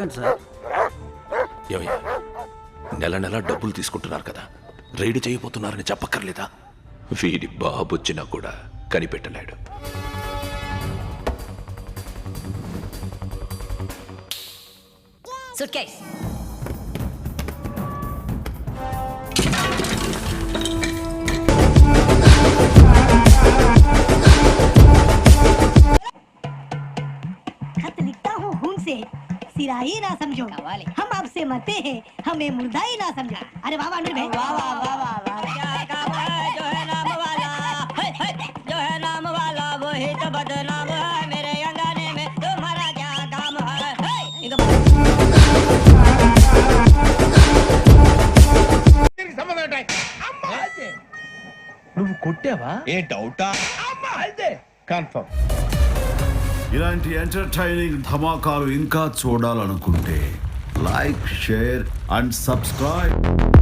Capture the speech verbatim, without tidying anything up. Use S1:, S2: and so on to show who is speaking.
S1: చెప్పండి సార్.
S2: ఏమయ్యా, నెల నెల డబ్బులు తీసుకుంటున్నారు కదా, రైడ్ చేయబోతున్నారని చెప్పక్కర్లేదా? వీడి బాబొచ్చినా కూడా కనిపెట్టలేడు.
S3: Suitcase.
S4: खत लिखता हूँ खून से, सिरा ही ना समझो। हम आपसे मरते हैं, हमें मुर्दा ही ना समझो। अरे वाह वाह भाई, वाह वाह वाह वाह वाह।
S5: क्या काम है जो है नाम वाला, है, है, जो है नाम वाला वही तो बदनाम है। मेरे अंगने में तुम्हारा क्या काम है, है, इनको
S6: నువ్వు కొట్టావా?
S7: ఏ డౌటా?
S6: కన్ఫర్మ్.
S8: ఇలాంటి ఎంటర్టైనింగ్ ధమాకాలు ఇంకా చూడాలనుకుంటే లైక్, షేర్ అండ్ సబ్స్క్రైబ్.